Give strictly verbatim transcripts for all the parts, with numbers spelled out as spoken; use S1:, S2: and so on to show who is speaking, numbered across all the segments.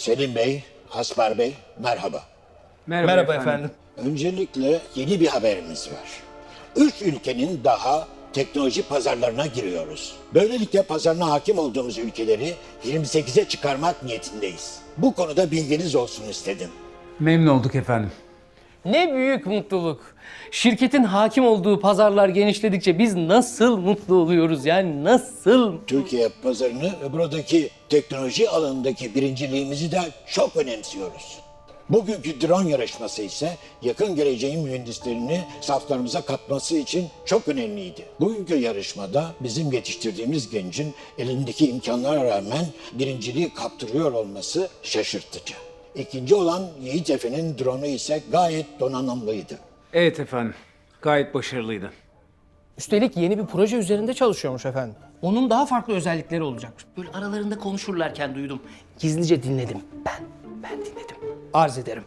S1: Selim Bey, Aspar Bey, merhaba.
S2: Merhaba,
S3: Merhaba
S2: efendim.
S3: efendim.
S1: Öncelikle yeni bir haberimiz var. Üç ülkenin daha teknoloji pazarlarına giriyoruz. Böylelikle pazarına hakim olduğumuz ülkeleri yirmi sekize çıkarmak niyetindeyiz. Bu konuda bilginiz olsun istedim.
S2: Memnun olduk efendim.
S3: Ne büyük mutluluk. Şirketin hakim olduğu pazarlar genişledikçe biz nasıl mutlu oluyoruz yani nasıl?
S1: Türkiye pazarını ve buradaki teknoloji alanındaki birinciliğimizi de çok önemsiyoruz. Bugünkü drone yarışması ise yakın geleceğin mühendislerini saflarımıza katması için çok önemliydi. Bugünkü yarışmada bizim yetiştirdiğimiz gencin elindeki imkanlara rağmen birinciliği kaptırıyor olması şaşırtıcı. İkinci olan Yiğit Efe'nin drone'u ise gayet donanımlıydı.
S2: Evet efendim. Gayet başarılıydı.
S3: Üstelik yeni bir proje üzerinde çalışıyormuş efendim. Onun daha farklı özellikleri olacakmış. Böyle aralarında konuşurlarken duydum. Gizlice dinledim. Ben, ben dinledim. Arz ederim.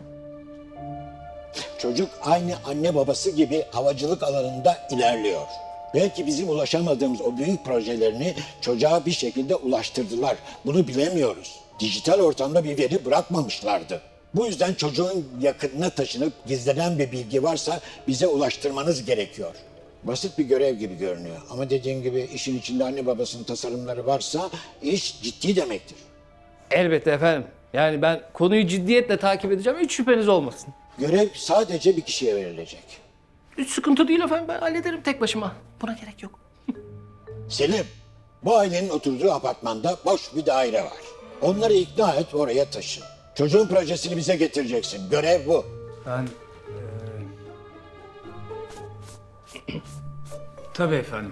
S1: Çocuk aynı anne babası gibi havacılık alanında ilerliyor. Belki bizim ulaşamadığımız o büyük projelerini çocuğa bir şekilde ulaştırdılar. Bunu bilemiyoruz. Dijital ortamda bir veri bırakmamışlardı. Bu yüzden çocuğun yakınına taşınıp gizlenen bir bilgi varsa bize ulaştırmanız gerekiyor. Basit bir görev gibi görünüyor ama dediğim gibi işin içinde anne babasının tasarımları varsa iş ciddi demektir.
S3: Elbette efendim. Yani ben konuyu ciddiyetle takip edeceğim. Hiç şüpheniz olmasın.
S1: Görev sadece bir kişiye verilecek.
S3: Hiç sıkıntı değil efendim. Ben hallederim tek başıma. Buna gerek yok.
S1: Selim, bu ailenin oturduğu apartmanda boş bir daire var. Onları ikna et, oraya taşın. Çocuğun projesini bize getireceksin. Görev bu.
S2: Ben... eee, Tabii efendim.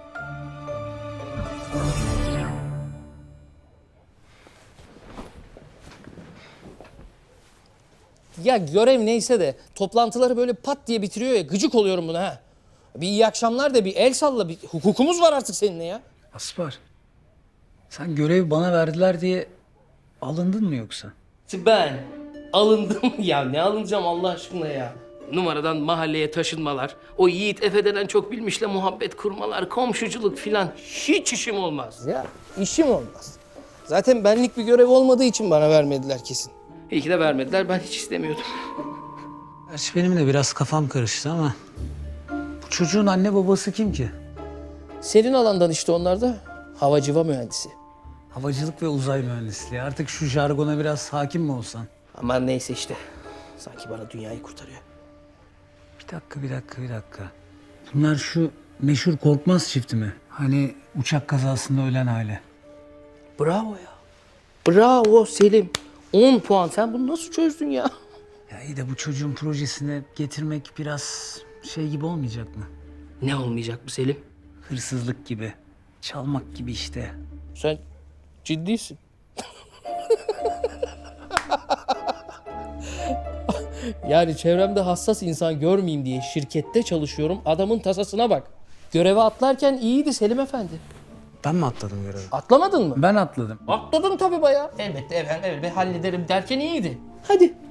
S3: Ya görev neyse de toplantıları böyle pat diye bitiriyor ya. Gıcık oluyorum buna ha. Bir iyi akşamlar da bir el salla. Bir hukukumuz var artık seninle ya.
S4: Aspar, sen görevi bana verdiler diye alındın mı yoksa?
S3: Ben alındım ya. Ne alınacağım Allah aşkına ya. Numaradan mahalleye taşınmalar, o Yiğit Efe denen çok bilmişle muhabbet kurmalar, komşuculuk filan hiç işim olmaz. Ya işim olmaz. Zaten benlik bir görev olmadığı için bana vermediler kesin. İyi ki de vermediler. Ben hiç istemiyordum.
S4: Gerçi benim de biraz kafam karıştı ama bu çocuğun anne babası kim ki?
S3: Senin alandan işte onlar da havacıva mühendisi.
S4: Havacılık ve uzay mühendisliği. Artık şu jargona biraz hakim mi olsan?
S3: Aman neyse işte. Sanki bana dünyayı kurtarıyor.
S4: Bir dakika, bir dakika, bir dakika. Bunlar şu meşhur Korkmaz çifti mi? Hani uçak kazasında ölen aile.
S3: Bravo ya. Bravo Selim. on puan. Sen bunu nasıl çözdün ya?
S4: Ya iyi de bu çocuğun projesine getirmek biraz şey gibi olmayacak mı?
S3: Ne olmayacak bu Selim?
S4: Hırsızlık gibi, çalmak gibi işte.
S3: Sen ciddisin. Yani çevremde hassas insan görmeyeyim diye şirkette çalışıyorum. Adamın tasasına bak. Göreve atlarken iyiydi Selim Efendi.
S4: Ben mi atladım görevi?
S3: Atlamadın mı?
S4: Ben atladım.
S3: Atladın tabii bayağı. Elbette efendim, elbette hallederim derken iyiydi. Hadi